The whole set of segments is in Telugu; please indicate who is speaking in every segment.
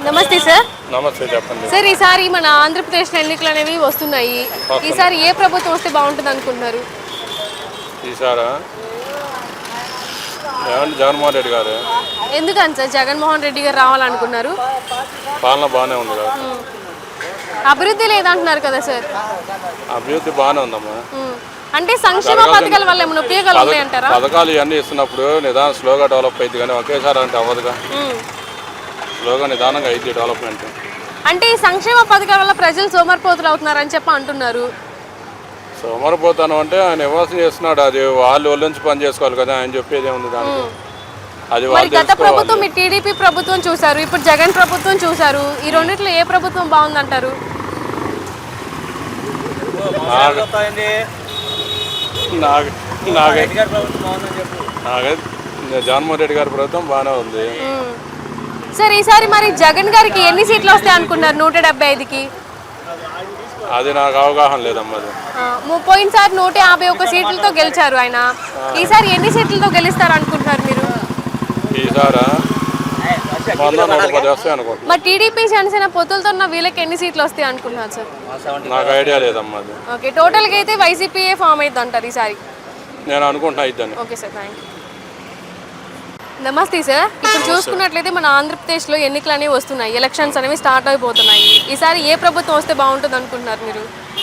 Speaker 1: నమస్తే సార్.
Speaker 2: నమస్తే, చెప్పండి
Speaker 1: సార్, ఈసారి మన ఆంధ్రప్రదేశ్ ఎన్నికలు అనేవి వస్తున్నాయి. ఈసారి ఏ ప్రభుత్వం వస్తే బాగుంటుంది అనుకుంటున్నారు?
Speaker 2: ఈసారా జగన్మోహన్ రెడ్డి గారు.
Speaker 1: ఎందుకని సార్ జగన్మోహన్ రెడ్డి గారు రావాలనుకున్నారు?
Speaker 2: పాలన బాగానే ఉంది కదా.
Speaker 1: అభివృద్ధి లేదంటున్నారు కదా సార్.
Speaker 2: అభివృద్ధి బాగానే ఉందమ్మా.
Speaker 1: అంటే సంక్షేమ పథకాల వల్ల ఏమైనా ఉపయోగాలు ఉన్నాయంటారా?
Speaker 2: పథకాలు ఇవన్నీ ఇస్తున్నప్పుడు నిదానం స్లోగా డెవలప్ అయింది, కానీ ఒకేసారి అంటే అవ్వదుగా. స్లోగా నిదానంగా అయింది డెవలప్మెంట్.
Speaker 1: అంటే ఈ సంక్షేమ పథకాల వల్ల ప్రజలు సోమరిపోతులు అవుతున్నారని చెప్పి అంటున్నారు.
Speaker 2: సోమరిపోతాను అంటే ఆయన ఇవ్వాల్సి చేస్తున్నాడు, అది వాళ్ళు నుంచి పని చేసుకోవాలి కదా. ఆయన చెప్పేది ఏముంది దానికి? అది
Speaker 1: మరి గత ప్రభుత్వం మీ టీడీపీ ప్రభుత్వం చూసారు, ఇప్పుడు జగన్ ప్రభుత్వం చూసారు. ఈ రెండిట్లో ఏ ప్రభుత్వం బాగుందంటారు?
Speaker 2: జగన్మోహన్ రెడ్డి గారి ప్రభుత్వం బాగానే ఉంది
Speaker 1: సార్. ఈసారి మరి జగన్ గారికి ఎన్ని సీట్లు వస్తాయి అనుకున్నారు? 175కి.
Speaker 2: అది నాకు అవగాహన లేదమ్మా.
Speaker 1: పోయినసారి 151 సీట్లతో గెలిచారు ఆయన. ఈసారి ఎన్ని సీట్లతో గెలుస్తారు అనుకుంటున్నారు మీరు?
Speaker 2: ఈసారా 110 వస్తాయి అనుకుంటున్నాను.
Speaker 1: మరి టీడీపీ జనసేన పొత్తులతో ఉన్న వీళ్ళకి ఎన్ని సీట్లు వస్తాయి అనుకుంటున్నారు సార్?
Speaker 2: నాకు ఐడియా లేదమ్మా.
Speaker 1: ఓకే, టోటల్గా అయితే వైసీపీఏ ఫామ్ అవుతుంది అంటారు ఈసారి?
Speaker 2: నేను అనుకుంటున్నా ఇద్దాన్ని.
Speaker 1: Okay sir, thank you. నమస్తే సార్. ఇప్పుడు చూసుకున్నట్లయితే మన ఆంధ్రప్రదేశ్లో ఎన్నికలు అనేవి వస్తున్నాయి, ఎలక్షన్స్ అనేవి స్టార్ట్ అయిపోతున్నాయి. ఈసారి ఏ ప్రభుత్వం వస్తే బాగుంటుంది అనుకుంటున్నారు మీరు?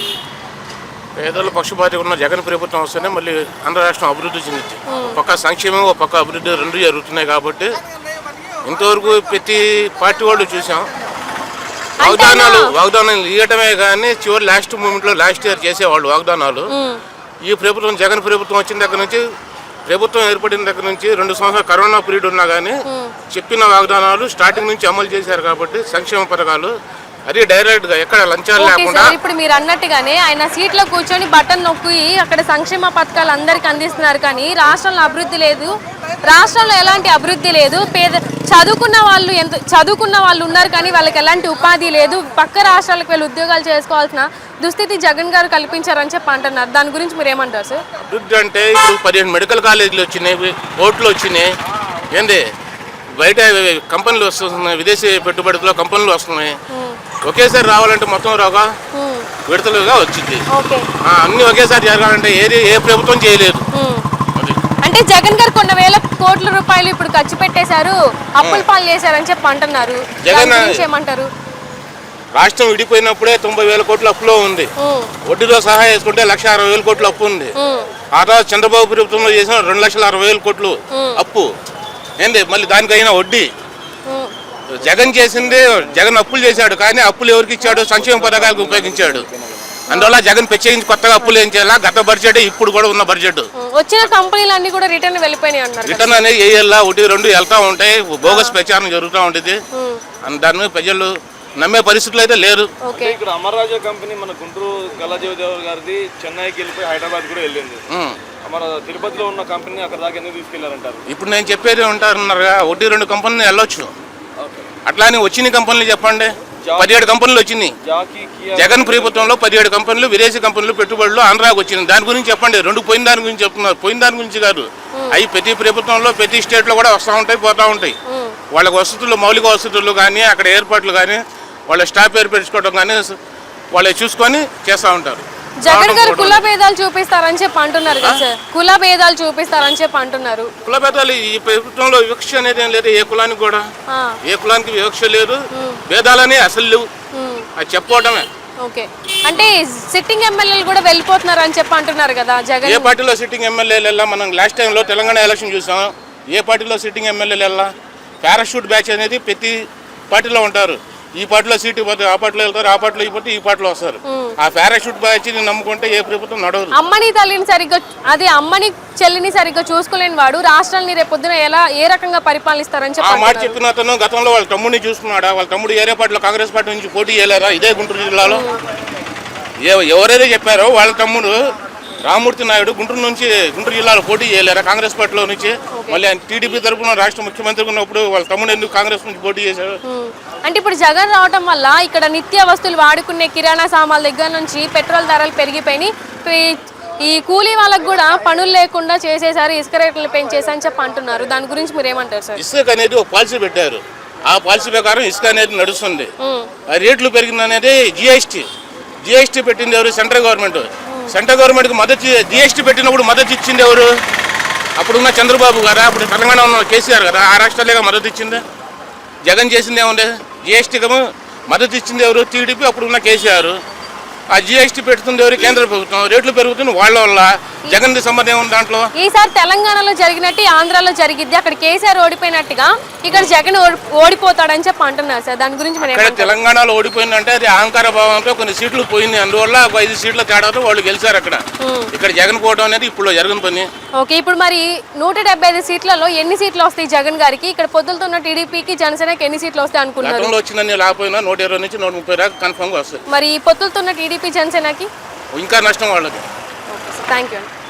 Speaker 3: పేదల పక్షపాతి ఉన్న జగన్ ప్రభుత్వం వస్తేనే మళ్ళీ ఆంధ్ర రాష్ట్రం అభివృద్ధి చెందుతుంది. పక్క సంక్షేమం, ఒక పక్క అభివృద్ధి రెండు జరుగుతున్నాయి. కాబట్టి ఇంతవరకు ప్రతి పార్టీ వాళ్ళు చూసాం, వాగ్దానాలు ఇవ్వటమే కానీ చివరి లాస్ట్ మూమెంట్లో లాస్ట్ ఇయర్ చేసేవాళ్ళు వాగ్దానాలు. ఈ ప్రభుత్వం జగన్ ప్రభుత్వం వచ్చిన దగ్గర నుంచి, ప్రభుత్వం ఏర్పడిన దగ్గర నుంచి 2 సంవత్సరాలు కరోనా పీరియడ్ ఉన్నా కానీ చెప్పిన వాగ్దానాలు స్టార్టింగ్ నుంచి అమలు చేశారు. కాబట్టి సంక్షేమ పథకాలు అది డైరెక్ట్ గా ఎక్కడ లంచాలు లేకుండా.
Speaker 1: ఇప్పుడు మీరు అన్నట్టుగానే ఆయన సీట్లో కూర్చొని బటన్ నొక్కి అక్కడ సంక్షేమ పథకాలు అందరికి అందిస్తున్నారు, కానీ రాష్ట్రంలో అభివృద్ధి లేదు. రాష్ట్రంలో ఎలాంటి అభివృద్ధి లేదు. చదువుకున్న వాళ్ళు ఉన్నారు, కానీ వాళ్ళకి ఎలాంటి ఉపాధి లేదు. పక్క రాష్ట్రాలకు వెళ్ళి ఉద్యోగాలు చేసుకోవాల్సిన దుస్థితి జగన్ గారు కల్పించారని చెప్పి అంటున్నారు. దాని గురించి మీరు ఏమంటారు సార్?
Speaker 3: అభివృద్ధి అంటే ఇప్పుడు 15 మెడికల్ కాలేజీలు వచ్చినాయి, కోర్టులు వచ్చినాయి, ఏంది బయట కంపెనీలు వస్తున్నాయి, విదేశీ పెట్టుబడుల్లో కంపెనీలు వస్తున్నాయి. ఒకేసారి రావాలంటే మొత్తం రాగా విడతలుగా వచ్చింది. అన్ని ఒకేసారి జరగాలంటే ఏ ప్రభుత్వం చేయలేదు.
Speaker 1: అంటే జగన్ గారు కొన్ని వేల కోట్ల రూపాయలు ఇప్పుడు ఖర్చు పెట్టేశారు, అప్పుల పాలు చేశారని చెప్పి అంటున్నారు. జగన్ ఏమంటారు?
Speaker 3: రాష్ట్రం విడిపోయినప్పుడే 90,000 కోట్ల అప్పులో ఉంది. వడ్డీతో సహా వేసుకుంటే 1,60,000 కోట్ల అప్పు ఉంది. ఆ తర్వాత చంద్రబాబు ప్రభుత్వంలో చేసిన 2,60,000 కోట్లు అప్పు ఏంది, మళ్ళీ దానికైనా వడ్డీ. జగన్ చేసింది, జగన్ అప్పులు చేశాడు, కానీ అప్పులు ఎవరికి ఇచ్చాడు? సంక్షేమ పథకాలకు ఉపయోగించాడు. అందువల్ల జగన్ ప్రత్యేకించి కొత్తగా అప్పులు ఏం చేయాలా? గత బడ్జెట్ ఇప్పుడు కూడా ఉన్న బడ్జెట్.
Speaker 1: వచ్చిన కంపెనీలు అన్ని కూడా రిటర్న్ వెళ్ళిపోయినాయి అన్నారు.
Speaker 3: రిటర్న్ అనేది ఏఎల్లా 1-2 వెళ్తా ఉంటాయి, బోగస్ ప్రచారం జరుగుతూ ఉంటుంది. దాన్ని ప్రజలు నమ్మే పరిస్థితులు అయితే లేరు.
Speaker 4: ఇక్కడ అమర్రాజా కంపెనీ మన గుంటూరు గల్లాజీవదేవ్ గారిది చెన్నైకి వెళ్ళిపోయి హైదరాబాద్ కూడా వెళ్ళింది. మన తిరుపతిలో ఉన్న కంపెనీ అక్కడ దాకా ఎందుకు తీసుకెళ్లారంటారు?
Speaker 3: ఇప్పుడు నేను చెప్పేది ఉంటారన్నారుగా, 1-2 కంపెనీలు వెళ్ళొచ్చు. అట్లా అని వచ్చిన కంపెనీలు చెప్పండి. 17 కంపెనీలు వచ్చినాయి జగన్ ప్రభుత్వంలో. 17 కంపెనీలు, విదేశీ కంపెనీలు పెట్టుబడులు ఆంధ్రాకి వచ్చినాయి. దాని గురించి చెప్పండి. 2 పోయిన దాని గురించి చెప్తున్నారు, పోయిన దాని గురించి కాదు. అవి ప్రతి ప్రభుత్వంలో ప్రతి స్టేట్లో కూడా వస్తూ ఉంటాయి, పోతూ ఉంటాయి. వాళ్ళకి వసతులు, మౌలిక వసతులు కానీ, అక్కడ ఏర్పాట్లు కానీ, వాళ్ళ స్టాఫ్ ఏర్పరచుకోవడం కానీ వాళ్ళు చూసుకొని చేస్తూ ఉంటారు.
Speaker 1: జగన్ గారు కుల భేదాలు చూపిస్తారని చెప్పి అంటున్నారు కదా సార్? కుల భేదాలు చూపిస్తారని చెప్పి అంటున్నారు.
Speaker 3: కుల భేదాలు ఈ ప్రభుత్వంలో వివక్ష అనేది ఏం లేదు. ఏ కులానికి కూడా, ఏ కులానికి వివక్ష లేదు, భేదాలని అసలు లేవు. అది చెప్పుకోవటమే.
Speaker 1: ఓకే, అంటే సిట్టింగ్ ఎమ్మెల్యేలు కూడా వెళ్ళిపోతున్నారు అని చెప్పి అంటున్నారు కదా జగన్.
Speaker 3: ఏ పార్టీలో సిట్టింగ్ ఎమ్మెల్యేలు వెళ్ళా? మనం లాస్ట్ టైంలో తెలంగాణ ఎలక్షన్ చూసాం. ఏ పార్టీలో సిట్టింగ్ ఎమ్మెల్యేలు వెళ్ళా? పారాషూట్ బ్యాచ్ అనేది ప్రతి పార్టీలో ఉంటారు. ఈ పార్టీలో సీటు పోతే ఆ పార్టీలో వెళ్తారు, ఆ పార్టీలో అయిపోతే ఈ పార్టీలో వస్తారు. ఆ పారాషూట్ బ్యాచ్ నమ్ముకుంటే ఏ ప్రభుత్వం నడవదు.
Speaker 1: అమ్మని తల్లిని సరిగ్గా, అదే అమ్మని చెల్లిని సరిగ్గా చూసుకోలేని వాడు రాష్ట్రాన్ని రేపొద్దున ఏ రకంగా పరిపాలిస్తారని చెప్పి
Speaker 3: ఆ మాట చెప్పిన అతను గతంలో వాళ్ళ తమ్ముడిని చూసుకున్నాడా? వాళ్ళ తమ్ముడు ఏరే పార్టీలో కాంగ్రెస్ పార్టీ నుంచి పోటీ చేయలేరా? ఇదే గుంటూరు జిల్లాలో ఎవరైతే చెప్పారో వాళ్ళ తమ్ముడు రామూర్తి నాయుడు గుంటూరు జిల్లాలో పోటీ చేయలేరా కాంగ్రెస్ పార్టీలో నుంచి? మళ్ళీ టీడీపీ తరఫున రాష్ట్ర ముఖ్యమంత్రి ఉన్నప్పుడు వాళ్ళ తమ్ముడు ఎందుకు కాంగ్రెస్ నుంచి పోటీ చేశారు?
Speaker 1: అంటే ఇప్పుడు జగన్ రావటం వల్ల ఇక్కడ నిత్య వస్తువులు వాడుకునే కిరాణా సామాన్ల దగ్గర నుంచి పెట్రోల్ ధరలు పెరిగిపోయినాయి. ఈ కూలీ వాళ్ళకు కూడా పనులు లేకుండా చేసేసారు, ఇసుక రేట్లు పెంచేసని చెప్పి అంటున్నారు. దాని గురించి మీరు ఏమంటారు సార్?
Speaker 3: ఇసుక అనేది ఒక పాలసీ పెట్టారు. ఆ పాలసీ ప్రకారం ఇసుక అనేది నడుస్తుంది. ఆ రేట్లు పెరిగింది అనేది జిఎస్టీ పెట్టింది ఎవరు? Central government. సెంట్రల్ గవర్నమెంట్కి మద్దతు జిఎస్టీ పెట్టినప్పుడు మద్దతు ఇచ్చింది ఎవరు? అప్పుడున్న చంద్రబాబు గారా, అప్పుడు తెలంగాణ ఉన్న కేసీఆర్ గారా, ఆ రాష్ట్రాలుగా మద్దతు ఇచ్చింది. జగన్ చేసింది ఏముంది? జిఎస్టీకి మద్దతు ఇచ్చింది ఎవరు? టీడీపీ, అప్పుడున్న కేసీఆర్. ఆ జిఎస్టీ పెడుతుంది ఎవరు? కేంద్ర ప్రభుత్వం. రేట్లు పెరుగుతుంది వాళ్ళ వల్ల. జగన్ సంబంధం ఏముంది దాంట్లో?
Speaker 1: ఈసారి తెలంగాణలో జరిగినట్టు ఆంధ్రాలో జరిగిద్ది. అక్కడ కేసీఆర్ ఓడిపోయినట్టుగా ఇక్కడ జగన్ ఓడిపోతాడని చెప్పి అంటున్నారు సార్. దాని గురించి
Speaker 3: ఇక్కడ తెలంగాణలో ఓడిపోయిందంటే అది అహంకార భావంతో కొన్ని సీట్లు పోయింది. అందువల్ల 5 సీట్ల తేడాతో వాళ్ళు గెలిచారు అక్కడ. ఇక్కడ జగన్ పోవడం అనేది ఇప్పుడు జరగని పని.
Speaker 1: ఓకే, ఇప్పుడు మరి 175 సీట్లలో ఎన్ని సీట్లు వస్తాయి జగన్ గారికి? ఇక్కడ పొద్దులతో ఉన్న టీడీపీకి, జనసేనకి ఎన్ని సీట్లు వస్తాయి అనుకున్నారు?
Speaker 3: గతంలో వచ్చిందని లేకపోయినా 120 నుంచి 130 దాకా కన్ఫర్మ్గా వస్తాయి.
Speaker 1: మరి పొత్తులతో ఉన్న టీడీపీ, జనసేనకి
Speaker 3: ఇంకా నష్టం వాళ్ళకి.
Speaker 1: Thank you.